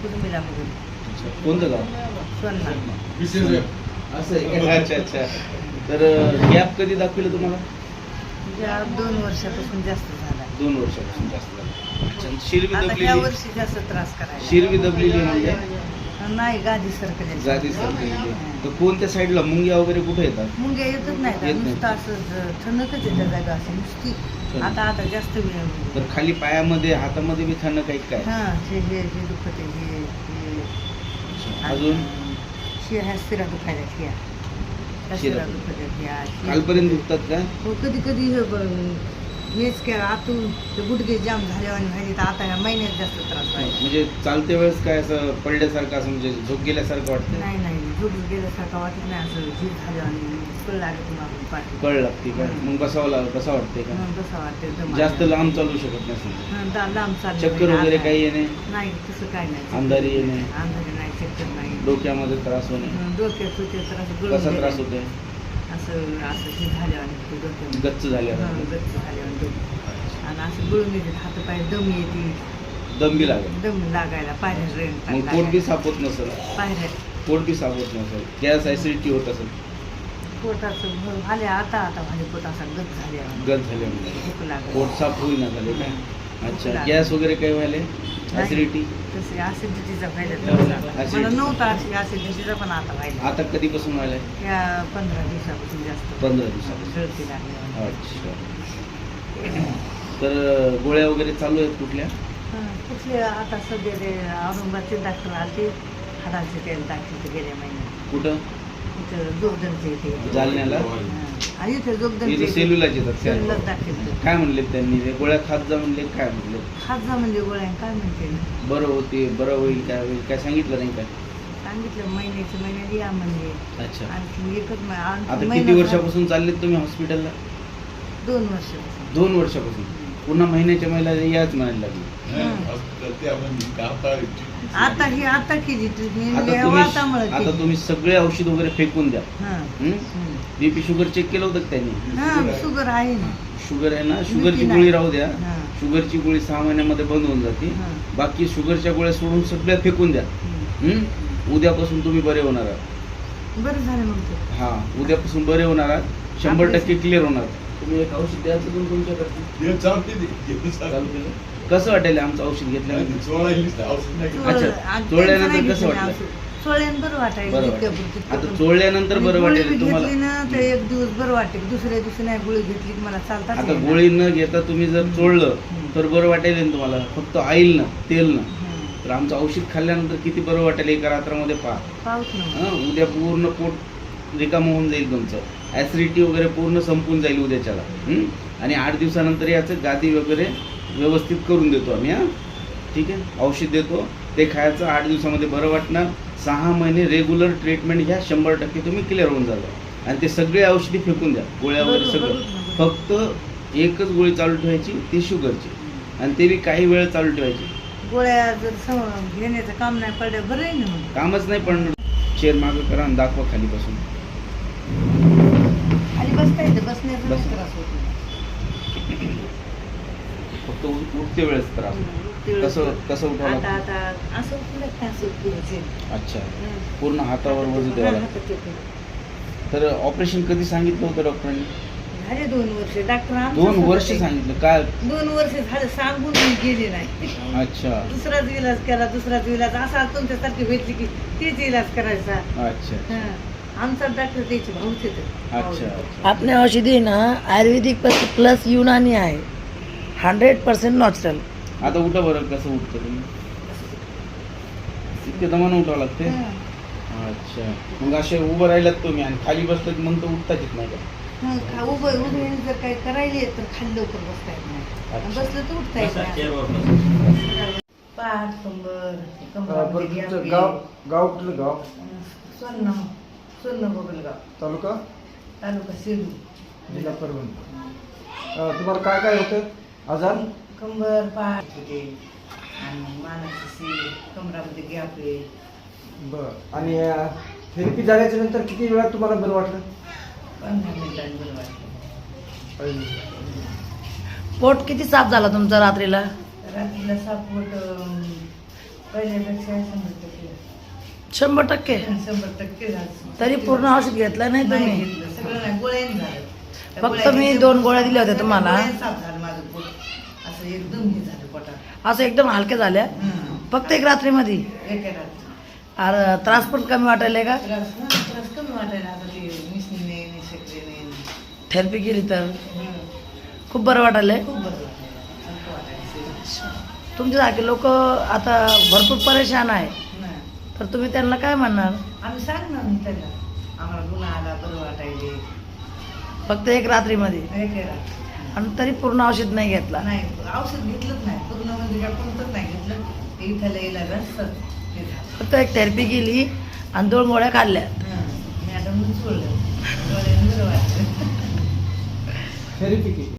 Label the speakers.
Speaker 1: कुटुंबीला बघून.
Speaker 2: कोणतं गाव?
Speaker 1: सोन्ना.
Speaker 2: असं आहे का? अच्छा अच्छा. तर गॅप कधी दाखविलं तुम्हाला?
Speaker 1: या 2 वर्षापासून जास्त झाला.
Speaker 2: 2 वर्षापासून जास्त झालं. अच्छा. शिरवी
Speaker 1: आता या
Speaker 2: दबलेली?
Speaker 1: वर्षी जास्त त्रास करायला.
Speaker 2: शिरवी दबलेली म्हणजे
Speaker 1: नाही, गादी सरकली.
Speaker 2: गादी सरकलेली. तर कोणत्या साईडला मुंग्या वगैरे कुठे येतात?
Speaker 1: मुंग्या येतच
Speaker 2: येत
Speaker 1: नाही,
Speaker 2: नाही.
Speaker 1: नुसतं असं ठणकच येतं जागा असं नुसती. आता जास्त वेळ.
Speaker 2: तर खाली पायामध्ये हातामध्ये बी थंड काही काय?
Speaker 1: हा, हे दुखत आहे, हे
Speaker 2: अजून
Speaker 1: ह्या शिरा दुखायला शिरा
Speaker 2: शिरा
Speaker 1: दुखत आहे.
Speaker 2: कालपर्यंत दुखतात का?
Speaker 1: हो, कधी कधी हेच काय आतून ते गुडघे जाम झाल्यावर व्हायचे, तर आता ह्या महिन्यात जास्त त्रास व्हायला.
Speaker 2: म्हणजे चालते वेळेस काय असं पडल्यासारखं असं म्हणजे झोप गेल्यासारखं वाटतं?
Speaker 1: नाही, झोप गेल्यासारखं वाटत नाही. असं झीज झालं आणि कळ लागत तुम्हाला पाठी.
Speaker 2: कळ लागते का? मग बसावं कसं वाटते का?
Speaker 1: कसं वाटतं
Speaker 2: जास्त लांब चालू शकत नाही?
Speaker 1: लांब चाललं.
Speaker 2: चक्कर वगैरे काही येणे?
Speaker 1: नाही, तसं काय नाही.
Speaker 2: अंधारी येणे?
Speaker 1: अंधारी नाही, चक्कर नाही.
Speaker 2: डोक्यामध्ये त्रास होणे?
Speaker 1: डोक्यात होते तर असं
Speaker 2: कसा
Speaker 1: गळून
Speaker 2: त्रास होते?
Speaker 1: असं हे झाल्यावर डोक्यात
Speaker 2: गच्च झाल्यावर?
Speaker 1: गच्च झाल्यावर डोकं. आणि असं गळून येते, हातपाय दम येते.
Speaker 2: दम बी लागेल?
Speaker 1: दम लागायला, पायऱ्या
Speaker 2: मग पोट बी साफ होत नसेल?
Speaker 1: पायऱ्या
Speaker 2: पोट बी साफ होत नसेल, गॅस ऍसिडिटी होत असेल?
Speaker 1: पोटाचं झाले आता म्हणजे पोट असा गच झाल्यावर भूक लागली.
Speaker 2: पोट साफ होईना झाले काय? अच्छा. गॅस वगैरे काही व्हायले? ऍसिडिटी?
Speaker 1: तसे ऍसिडिटीचा व्हायला मला नव्हता, ऍसिडिटीचा पण आता व्हायला.
Speaker 2: आता कधीपासून व्हायला?
Speaker 1: या 15 दिवसापासून जास्त.
Speaker 2: 15 दिवसापासून.
Speaker 1: गळती लागली.
Speaker 2: अच्छा. तर गोळ्या वगैरे चालू आहेत कुठल्या?
Speaker 1: कुठले आता सध्या ते औरंगाबादचे डॉक्टर आले, हाडाचे तेल टाकले गेल्या महिन्यात.
Speaker 2: कुठं?
Speaker 1: इथं जोगदनचे इथे.
Speaker 2: जालन्याला?
Speaker 1: आणि इथे जोगदनचे
Speaker 2: इथं सेलूलाच येतात?
Speaker 1: सेलूलाच दाखवलं.
Speaker 2: काय म्हणले त्यांनी? ते गोळ्या खात जा म्हणले? काय म्हणले?
Speaker 1: खात जा म्हणजे गोळ्या काय म्हणते ना?
Speaker 2: बरं होते, बरं होईल, काय होईल, काय सांगितलं नाही काय?
Speaker 1: सांगितलं महिन्यात या म्हणजे.
Speaker 2: अच्छा.
Speaker 1: आणखी एकच
Speaker 2: आता किती वर्षापासून चाललेत तुम्ही हॉस्पिटलला?
Speaker 1: 2 वर्षापासून.
Speaker 2: 2 वर्षापासून. पुन्हा महिन्याच्या महिला याच म्हणायला लागली?
Speaker 1: आता केली ट्रीटमेंट.
Speaker 2: आता तुम्ही सगळे औषध वगैरे फेकून द्या. बीपी शुगर चेक केलं होतं त्यांनी?
Speaker 1: शुगर आहे ना.
Speaker 2: शुगर आहे ना? शुगरची गोळी राहू द्या. शुगरची गोळी 6 महिन्यामध्ये बंद होऊन जाते. बाकी शुगरच्या गोळ्या सोडून सगळ्या फेकून द्या. उद्यापासून तुम्ही बरे होणार आहात.
Speaker 1: बरं झालं मग.
Speaker 2: हा, उद्यापासून बरे होणार आहात. 100% क्लिअर होणार. तुम्ही एक औषध द्यायचं तुमच्याकडे चालू केलं? कसं वाटेल आमचं औषध घेतल्यानंतर? अच्छा. चोळल्यानंतर कसं वाटलं?
Speaker 1: बरं वाटायचं.
Speaker 2: आता चोळल्यानंतर बरं वाटेल तुम्हाला?
Speaker 1: घेतली ना तर एक दिवस बरं वाटेल, दुसऱ्या दिवशी नाही गोळी घेतली की मला चालतात.
Speaker 2: आता गोळी न घेता तुम्ही जर चोळलं तर बरं वाटेल ना तुम्हाला? फक्त ऑइल ना, तेल ना. तर आमचं औषध खाल्ल्यानंतर किती बरं वाटेल एका रात्रामध्ये
Speaker 1: पाऊस ना.
Speaker 2: उद्या पूर्ण पोट रिकामं होऊन जाईल तुमचं. ऍसिडिटी वगैरे पूर्ण संपून जाईल उद्याच्याला. आणि 8 दिवसानंतर याचं गादी वगैरे व्यवस्थित करून देतो आम्ही. ठीक आहे. औषध देतो, ते खायचं. 8 दिवसामध्ये बरं वाटणार. 6 महिने रेग्युलर ट्रीटमेंट घ्या. 100% तुम्ही क्लिअर होऊन जाल. आणि ते सगळे औषधी फेकून द्या, गोळ्या वगैरे सगळं. फक्त एकच गोळी चालू ठेवायची, ती शुगरची. आणि ते बी काही वेळ चालू ठेवायची.
Speaker 1: गोळ्या जर घेण्याचं काम नाही पडलं बरं आहे ना.
Speaker 2: कामच नाही पण चेअर मागं करा आणि दाखवा खाली बसून.
Speaker 1: आणि बसता येतं, बसण्याचा त्रास होतो.
Speaker 2: फक्त उठते वेळेस त्रास. कसं उठावं लागतं?
Speaker 1: आता असं उठलं.
Speaker 2: अच्छा. पूर्ण हातावर वजन द्यावं लागतं. तर ऑपरेशन कधी सांगितलं होतं डॉक्टरांनी?
Speaker 1: झाले 2 वर्ष. डॉक्टर
Speaker 2: 2 वर्ष सांगितलं? काय
Speaker 1: 2 वर्ष झालं सांगून मी गेले नाही.
Speaker 2: अच्छा.
Speaker 1: दुसराच इलाज केला, दुसराच इलाज. असा तुमच्यासारखी भेटली की तेच इलाज करायचा.
Speaker 2: अच्छा.
Speaker 1: आमचा डॉक्टर त्याचे भाऊच येतं.
Speaker 2: अच्छा.
Speaker 3: आपल्या औषधी ना आयुर्वेदिक प्लस युनानी आहे. 100% नॅचरल.
Speaker 2: आता उठा बरं. कसं उठतं तुम्ही? इतके दमानं उठावं लागते? अच्छा. मग असे उभं राहिलात तुम्ही आणि खाली बसलं की मग तर उठताच येत नाही का?
Speaker 1: उभे जर काही करायले तर खाली लवकर बसता येत नाही. बसलं तर उठता येत नाही. पाठ, कंबर.
Speaker 4: गाव कुठलं गाव?
Speaker 1: सोन्न बगलगाव.
Speaker 4: तालुका
Speaker 1: सेलू,
Speaker 4: जिल्हा परभणी. तुम्हाला काय काय होतं आजार?
Speaker 1: कंबर, पाठ होते आणि मानाची सील, कमरामध्ये गॅप आहे.
Speaker 4: बरं. आणि थेरपी झाल्याच्या नंतर किती वेळात तुम्हाला बरं वाटलं?
Speaker 1: 15 मिनिटांनी बरं वाटलं.
Speaker 3: पोट किती साफ झाला तुमचा रात्रीला?
Speaker 1: रात्रीला सापवट पहिल्यापेक्षा 100%
Speaker 3: 100%.
Speaker 1: 100% झालं.
Speaker 3: तरी पूर्ण औषध घेतलं नाही
Speaker 1: नाही
Speaker 3: तुम्ही?
Speaker 1: घेतलं, सगळं नाही, गोळ्याने झालं. त्या
Speaker 3: फक्त
Speaker 1: गोळ्या
Speaker 3: मी
Speaker 1: घेतल्या,
Speaker 3: 2 गोळ्या दिल्या होत्या तुम्हाला.
Speaker 1: गोळ्याने साफ झालं माझं पोट. असं एकदम हे झालं पोटात.
Speaker 3: असं एकदम हलक्या झाल्या फक्त एक रात्रीमध्ये?
Speaker 1: एका रात्री.
Speaker 3: त्रास पण कमी वाटायला का?
Speaker 1: त्रास कमी वाटायला आता ते मिसनीने निशक्तीने.
Speaker 3: थेरपी केली तर खूप बरं वाटायलंय?
Speaker 1: खूप बरं वाटायला, हलकं वाटायचं.
Speaker 3: तुमच्यासारखे लोक आता भरपूर परेशान आहे,
Speaker 1: नाही.
Speaker 3: तर तुम्ही त्यांना काय म्हणणार?
Speaker 1: आम्ही सांगणार नाही त्याला, आम्हाला गुन्हा आला, बरं वाटायले.
Speaker 3: फक्त एक रात्रीमध्ये?
Speaker 1: एका रात्री.
Speaker 3: आणि तरी पूर्ण औषध नाही घेतला?
Speaker 1: नाही, औषध घेतलंच नाही पूर्ण, म्हणजे काय कोणतंच नाही घेतलं. ते इथं यायला रस्तं ते झालं.
Speaker 3: फक्त एक थेरपी केली आणि 2 गोळ्या खाल्ल्या.
Speaker 1: मॅडमने सोडलं, गोळ्याने बरं वाटलं.
Speaker 4: थेरपी केली.